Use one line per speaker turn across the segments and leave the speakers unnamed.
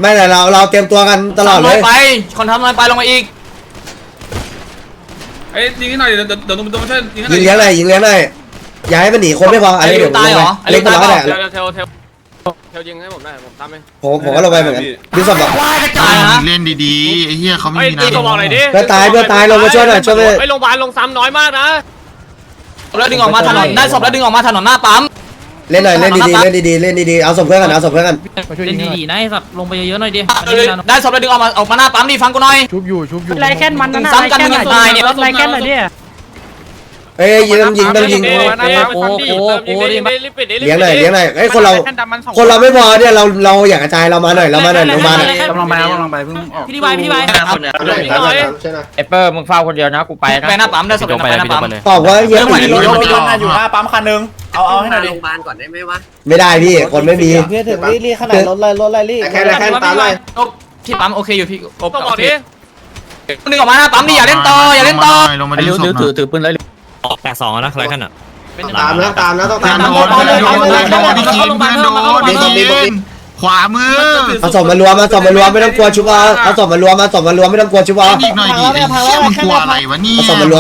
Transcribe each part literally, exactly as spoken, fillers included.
ไม่แต่เราเราเตรียมตัวกันตลอดเลย
ไปคนทำน้อยไปลงมาอีก
เอ้ยยิงให้หน่อยเดี๋ยวเดี๋ยวเดี๋ยวต้องมาช่วยยิงให้หน่
ยิ
อย
งเลี้ยงหน่อยยิงเลี้ยงหน่อยอย่าให้มันหนีคนไม่พออันนี้เดี๋ยว
ตายเหรอ
เล็กตัวร้อยแหละ
เทลเทลเทลเทลยิงให้ผมได้ผมทำเอง
ผมผมก็ลงไปเหมือนกันดูสมบัติ
ตายนะ
เล่นดีๆไอ้เหี้ยเขาไม่
ไอ้
มี
ตี
น้ำ
ก็บอกหน่อยดิ
เพื่อตายเพื่อตายลงมาช่วยหน่อยช่วยเลย
ไอ้โรงพยาบาลลงซ้ำน้อยมากนะ
แล้วดึงออกมาถนนได้ศพแล้วดึงออกมาถนนหน้าปั๊ม
เล่นหน่อยเล่นดีๆเล่นดีๆเล่นดีๆเอาศพเพื่อนกันเอาศพเพื่อนกัน
เล่นดีๆนะไอ้สัตว์ลงไปเยอะๆหน่อยดิ
ได้ศพแล้วดึงออกมาออกมาหน้าปั๊มดิฟังกูหน่อย
ชุบอยู่ชุบอยู่
ไรแค่นมันนั่นน่ะ
ซ้ำกันมึงยังตายเนี่ย
ไรแค่นหน่อยดิ
เอ้ยยิงต้องยิงต้องยิง
โอ้โหโอ้โหรีบปิดดิ
เลี้ยงหน่อยเลี้ยงหน่อยเอ้ยคนเราคนเราไม่พอเนี่ยเราเราอยากกระจายเรามาหน่อยเรามาหน่อยเรามาหน่อย
กำลังไปกำลังไปเพิ่งออกพี่ดีไวพี่ดีไว
ไอเปอร์มึงเฝ้าคนเดียวนะกูไปนะ
ไปหน้าปั๊มได้ศพไปหน้าปั๊ม
ตอบว่าเยอะ
ไม่
ไม่
รถ
ได้
รถอยู่หน้าปั๊มคันนึงเอาเอาให้หน่อยดิ
โรงพยาบาลก่อนได้ไหมวะ
ไม่ได้พี่คนไม่มี
เพื่อถึงรีรีขนาดรถเลยรถอะไรรี
แค่แค่ตามเลย
พี่ปั๊มโอเคอยู่พี่กบ
ต้องบอกดิ
ดึงออกมาหน้าปั๊มดิอย่าเล่นต่ออย่าเล่นต่อ
ลงมาดูศพ
ถือถือปืนเลย
แปดสองนะใครกันอ่ะ
ตามนะตามนะต้อง
เพื่อ
ตาน ม
โดนเพื่อนโดนเพื่อนโดนพี่คิงเพื่อนโดนพี่คิงขวามือ
เอาศพมารวมมาศพมารวมไม่ต้องกลัวชุบเอาเอาศพมารวมมาศพมารวมไม่ต้องกลัวชุบเอา
อีกหน่อยดิไอ้เหี้ยมึงกลัวอะไรวะเนี่ย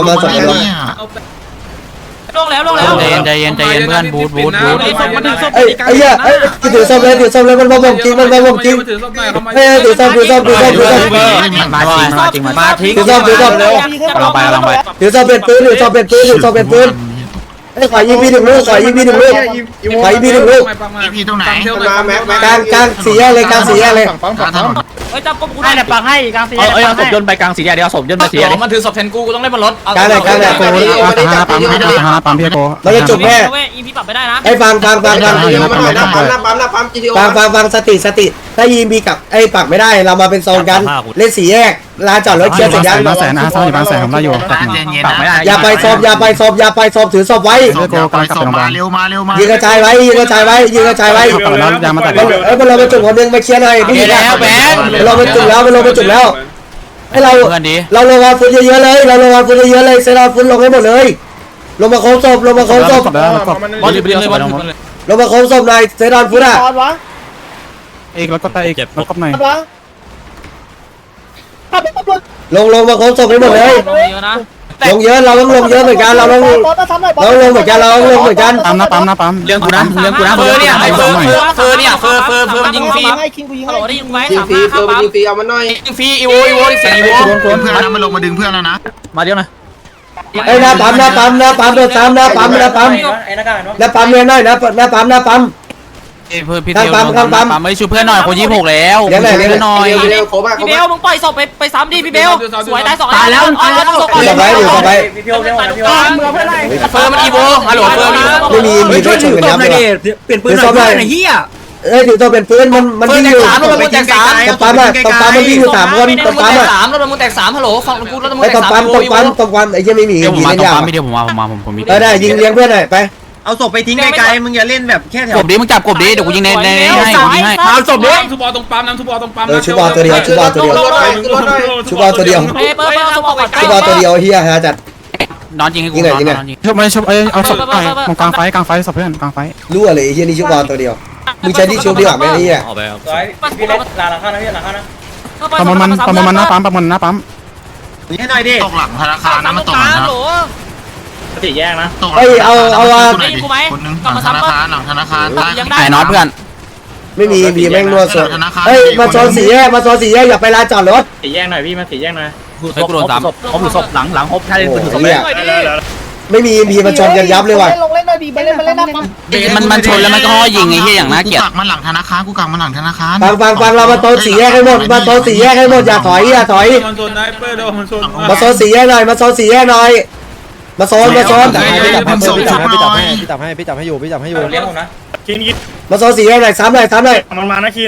ลงแล้วลงแล้ว
ใจเย็นใจเย็นใจเย็นเพื่อนบูทบูทบูท
ไอ้ไอ้เหี้ยไอ้ถือศพเลยถือศพเลยมันบ่มจริงมันบ่มจริง
ถือศพหน่อยเข้ามา
เอ้ยถือศพถือศพถือศพถือศพ
มาจริงมาจริงมา
ถือศพถือศพเร็ว
กำลังไปกำลังไป
ถือศพเป็นปืนถือศพเป็นปืนถือศพเป็นปืนไอ้ขวายิงพี่หนึ่งลูกขวายิงพี่หนึ่งลูกขวายิงพี่หนึ่งลูก
พี่ตรงไหน
กลางกลางสี่แยกเลยกลางสี่แยกเลย
เฮ้ยจับกบกู
ให้แต่ปังให้กลางสี่
เอ้ยเอาศพยนต์ไปกลางสีแดงเดียวศพยนต์ไปสีแดง
มันถือศพแทนกูกูต้องเล่นบนรถ
กลางไหนกลางไหน
ปั๊มปั๊มปั๊มพี่โก
เราจะจุกแม่
เว้ยอีพีปรับไม่ได้นะ
ไอ้ฟังฟังฟังฟัง
หน้าปั๊มหน้าปั๊มหน้าปั๊มหน้าปั๊มจีทีโอ
ฟังฟังฟังสติสติถ้ายิงบีกับไอ้ปักไม่ได้เรามาเป็นโซนกันเล่นสี่แยกลานจอดรถเคลียร์เสร็จยัง
มาแสนนะสามสิบแสนผมได้อยู่
อย่าไปศพอย่าไปศพอย่าไปศพถือศพไว้
มาเร็วมาเร็วมา
ยิงกระจายไว้ยิงกระจายไว้ยิงกระจายไว้
ยามาตัด
เอ้ยมันเราไปจุกคนนึงไปเคลียร์หน่อยผู้หญิงเราไปจุกแล้วเราไปจุกแล้วให้เรา
เพื่อนดี
เราลงมาฟุตเยอะๆเลยเราลงมาฟุตเยอะๆเลยเซราฟุตลงให้หมดเลยลงมาโค้งศพลงมาโค้งศพ
บอลเลยบอลเลยบอลเลย
ลงมาโค้งศพหน่อยเซรอนฟุตอ่ะ
ตอนวะ
เอกแล้วก็ตาเอกแล้วก็ไหน
วะขับไปตำรวจ
ลงลงมาโค้งศพให้หมดเลย
เยอะนะ
ลงเยอะเราต้องลงเยอะเหมือนกันเราต้อง
บอสมาทำหน่อย
เราลงเหมือนกันเราลงเหมือนกัน
ปั๊มนะปั๊มนะปั๊ม
เรื่องกูนะเรื่องกูนะ
เฟอร์เนี่ยไอ้เฟอร์เฟอร์เฟอร์เนี่ยเฟอร์เฟอร์เฟอร์มันยิงฟรี
ให้คิงกูยิง
ฮัลโหลได้ยินไหม
ยิง
สาม
ฟรี
ห้า
เฟิ
ข้า
ร์ม
ปั๊ม
ยิงฟรีเอามาหน่อย
ยิงฟรีอีโวอีโวเสียงอีโว
เพื่อนนะมันลงมาดึงเพื่อนแล้วนะ
มาเดี๋ยวนะ
ไอ้หน้าปั๊มหน้าปั๊มหน้าปั๊มโดนซ้ำหน้าปั๊มหน้าปั๊มหน้าปั๊มเนี่ยหน่อยนะหน้าปั๊มหน้าปั๊ม
เพื่อนพี่เทียวปั๊มไม่ช่วยเพื่อนหน่อยคนยี่หกแล้วช่วยเพื่อนหน่อย
เร็วโคบ้าโค
พี่เบ
บ้า
ลมึงปล่อยศพไปไปซ้ำดิพี่เบลสวยตายสอง
ตายแล้ว
ตายแล้วต้องศพก่อน
ถือศพไว้ถือศพไว้
เมือเพื่อนไร
เฟอร์มันอีโวฮัลโหลเฟอร์
ไม่มีมีด้วยชนกันยับเลย
เปลี่ยนปืนหน่อยไอ้เหี้ย
เอ้ยถือตัวเป็นปืนมันมัน
เฟอ
วิ่
ร์
ง
แต
อก ยู่
สามรถมันแตกสาม
ตบปั๊มอ่ะตบปั๊มมันวิ่งอยู่สามคน
ร
ต
ถ
บ
มัน
ปั๊ม
แตก
อ่ะ
สามรถมันแตกสามฮัลโหลฟังกูรถมัน
ไอ้
แต
ต
ก
บ
สาม
ปั๊ม
อี
ต
โว
บ
อีโว
ปั๊มตบปั๊มไอ้ยังไม่มี
เดี๋ยวผม
ยิง
มา
เล่น
ตรง
ยาว
ปั๊มไม่เดี๋ยวผมมาผมมาผมผมมี
เออได้ยิงเลี้ยงเพื่อนหน่อยไป
เอาศพไปทิ้งไกลๆมึงอย่าเล่นแบบแค่แถวกบดิมึงจับกบดิเดี๋ยวกูยิงในในให้กูยิงให้
เอาศพนี้ทุบบอลตรงปั๊มน้ำทุบบอลตรงปั๊ม
เออชุบบอลตัวเดียวชุบบอลตัวเดียวชุบบอลตัวเดียว
เฮ้ยเปิดเปิดศพออกก่อน
ชุบบอลตัวเดียวเฮียฮะจัด
นอนยิงให้กูนอนนอนยิง
ชอบไม่ชอบเอ้เอาศพไปตรงกลางไฟกลางไฟศพเพื่อนกลางไฟ
รั่วเลยเฮียนี่ชุบบอลตัวเดียวมึงใช้ที่ชุบดีกว่าไหมเฮีย
พี่เล็กลาหลังข้านะพี่หลังข้านะ
ปั๊มมันปั๊มมันหน้าปั๊มปั๊มมันหน้าปั๊ม
ให้หน่อยดิตกหลังธนาคารนะมันตกหลังนะ
สี่แยกนะ
ตกคนนึงหลังธนาคารหลังธนาคารได้
ยังได้
ไอ้น็อตเพื่อน
ไม่มีมีแม่งรั่วสุดเฮ้ยมาโซนสี่แยกมาโซนสี่แยกอย่าไปลานจอดรถ
สี่แยกหน่อยพี่มาสี่แยกหน่อย
เฮ้ยกูโดนสามผมถือศพหลังหลังฮบใช่
โอ้
ถือ
โห
ศพ
เฮียไม่มีมีมาชนกันยับเลยว่ะ
ลงเล่นหน่อยดีไปเล่นมาเล่นหน้าปั๊ม
มันมันชนแล้วมันก็ยิงไอ้เหี้ยอย่างน่าเกลียด
กูกักมันหลังธนาคารกูกักมันหลังธนาคาร
ฟังฟังฟังเรามาโซนสี่แยกให้หมดมาโซนสี่แยกให้หมดอย่าถอยอย่าถอย
มันโซนได้เปอร์เดี๋ยวมันโซน
มาโซนสี่แยกหน่อยมาโซนสี่แยกหน่อยมาโซนมาโซน
พี่จับให้พี่จับให้
พี่จับให้พี่จับให้อยู่พี่จับให้อยู่เลี้ยงผมนะคินคิน
มาโซนสี่แยกหน่อยซ้ำหน่อยซ้ำหน่อย
มันมานะคิน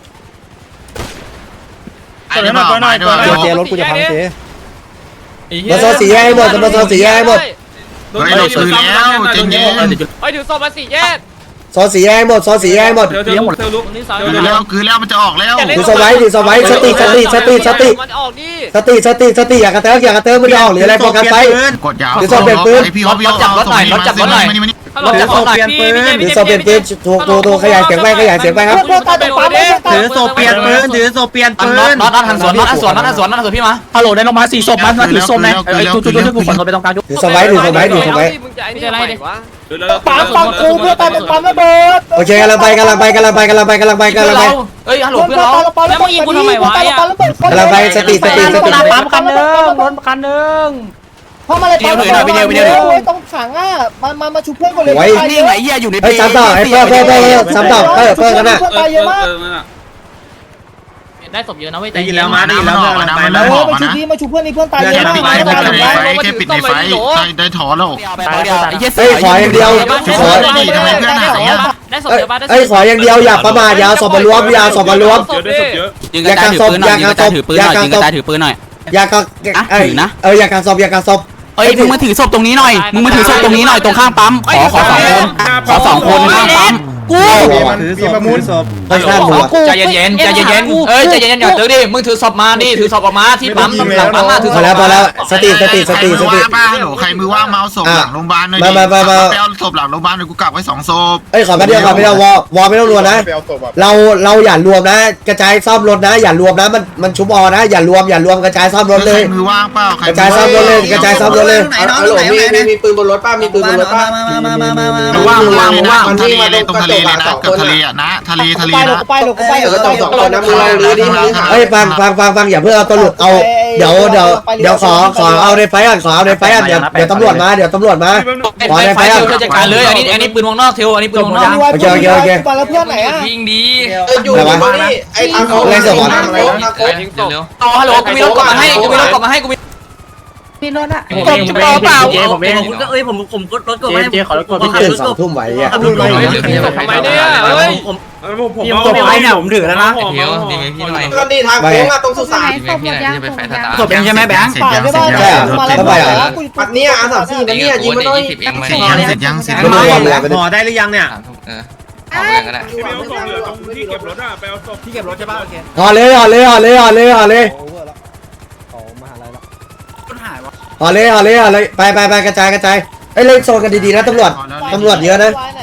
ไอ้หน่อยหน่อยหน่อย
เจรถกูจะพังเจ
มาโซนสี่แยกให้หมดมาโซนสี่แยกให้หมด
ไอ้หน่อยซื้อแล้วเจนเย็น
ไปถือศพมาสี่แยก
โซนสี่แยกให้หมดโซนสี่แยกให้หมด
เดี๋ยวเดี๋ยวเดี๋ยวลุก
คือแล้วคือแล้วมันจะออกแล้ว
ดูสไว้ดูสไว้สติสติสติสติ
มันออกดิ
สติสติสติอย่ากระเติกอย่ากระเติกไม่ได้ออกหรืออะไรโฟกัสไป
กดยาว
เดี๋ยวส่งเปลี่ยนปืน
พี่ฮอปพี่ฮอปจับรถหน่อยรถจับรถหน่อย
ถ้าเราจะขอเปลี่ยนปืน
ถือโซเปลี่ยนปืนถูกถูกถูกขยายเสียงไปขยายเสียงไปครับ
เพื่อนตายตรงปั๊ม
ถือโซเปลี่ยนปืนถือโซเปลี่ยนปืน
น็อตน็อตหันสวนน็อตหันสวนน็อตหันสวนน็อตหันสวนพี่มา
ฮัลโหลได้ลงมาสี่ศพมาถือศพนะไอ้จุดจุดจุดกูขนไปตรงกลาง
ถือสไว้ถือสไว้ถือสไว้
มึงจะไอ้นี่อะไรวะ
ปั๊มปั๊มกูเพื่อนตายตรงปั๊มระเบิด
โอเคกำลังไปกำลังไปกำลังไปกำลังไปกำลังไปกำลังไป
เอ้ยฮัลโหลเพื่อนเรา
กำลังไปสติสติสติ
ปั๊มคันนึงรถคันนึงเพราะมาเลยปั๊มต้องขังอ่ะมามามาชุบเพื่อนก่อนเลย
นี่ไงเหี้ยอยู่ใน
ไอ้ซ้ำต่อไอ้เพิ่มเพิ่มเพิ่มซ้ำต่อเพิ่มเพิ่มกันนะ
ตายเยอะมาก
ได้ศพเยอะนะเว้ย
ได้ยินแล้วมาได้ยินแล้ว
มัน
ไป
มัน
แล้
เริ่
ว
มออก
มาชุบ
นะ
ดีมาชุบเพื่อนนี่เพื่อนตายเย
แค่
อะ
ปิด
มาก
ไฟปิดไฟแค่ปิดในไฟได้ได้ถอนแล้ว
เฮ้ยขออย่างเดียวขอ
ได้ศพเยอะป่ะได้ศพ
เอ้ยขออย่างเดียวอย่าประมาทอย่าเอาศพมารวมอย่าเอาศพมารวม
เยอะได้ศพเยอะ
ยิงกระจายถือปืนหน่อยยิงกระจายถือปืนหน่อยยิงกระจายถือปืนหน่อย
อย่ากางเอ้ยเอออย่ากางศพอย่ากางศพ
เอ้ยมึงมาถือศพตรงนี้หน่อยมึงมาถือศพตรงนี้หน่อยตรงข้างปั๊มขอขอสองคนขอสองคนข้างปั๊มกู
ถือศพถือศพ
ค่อนข้างหัว
ใจเย็นๆใจเย็นๆเอ้ยใจเย็นๆอย่าเจอดิมึงถือศพมาดิถือศพออกมาที่ปั๊มหลังปั๊มมาถือ
พ
ศ
อ
พ
แล้วพอแล้วสติสติสติสติ
ป้าหนูใครมือว่างมาเอาศพหลังโรงพยาบาลหน่อยดิไปเอาศพหลังโรงพยาบาลหน่อยกูกลับไว้สองศพ
เอ้ยขอแป๊บเดียวขอแป๊บเดียววอวอไม่ต้องรวมนะเราเราอย่ารวมนะ กระจายซ่อมรถนะ อย่ารวมนะมันมันชุบอนะอย่ารวมอย่ารวมกระจายซ่อมรถเลย
มือว่างเปล่าก
ระจายซ่อมรถเลยกระจายซ่อมรถเลย
ไหนน้องไหนมีมีมีปืนบนรถป้ามีปืนบนรถป้ามามามามามา
มือว่างมือว่างมือว่างทะเลเลยตรงทะเลเลยนะเกือบทะเลอ่ะนะทะเลทะเล
ไปหล
นะ
บไปหลบไป
เออต้องสองคนนะมึงลองดูดิ
เอ้ยฟังฟังฟังฟังอย่าเพิ่งเอาตัวหลุดเอาเดี๋ยวเดี๋ยวเดี๋ยวขอขอเอาในไฟอ่ะขอเอาในไฟอ่ะเดี๋ยวเดี๋ยวตำรวจมาเดี๋ยวตำรวจมา
ไฟไฟเทลจัดการเลยอันนี้อันนี้ปืนวงนอกเทลอันนี้ปืนวงนอก
มาแล้วเพื่อนไหนอ่ะ
ยิงดี
อยู่ตรงนี้ไอ้ทางเขา
ต่อฮัลโหลกูมีรถกลับมาให้กูมีรถกลับมาให้กูมี
พี่รถอ่ะ
ผมเองผมเองเจ๊ผมเอง
เอ้ยผมผมรถกด
เจ๊ขอรถกด
พี่ตื่นสองทุ่มไหวอ่ะ
ทำไมเนี่ยเฮ้ย
ผม
ผมผม
ผมไปเนี่ยผมถือแล้วนะ
เดี๋ยวดีไหมพี่หน่อย
ก็ดีทางโค้งอะตรงสุสาน
ศพเป็นใช่ไหมแบงค์
ป่าไม่ได้ปัด
เนี่ยอาสามสี่มันเนี่ยยิงมันหน่อย
เสร็จยังเสร็จยังเสร็จ
ไม่
ยัง
ต้องรวมเลย
พอได้หรือยังเนี่ย
ไปเอาศพเหลือตรงที่เก็บรถอะไปเอาศพ
ที่เก็บรถใช่ป่ะโอเค
ห่อเลยห่อเลยห่อเลยห่อเลยห่อเลย
โอเวอร์แล้วเขามหาลัยแล้ว
ห่อเลยห่อเลยห่อเลยไปไปไปกระจายกระจายเอ้ยเล่นโซนกันดีๆนะตำรวจตำรวจเยอะนะ
น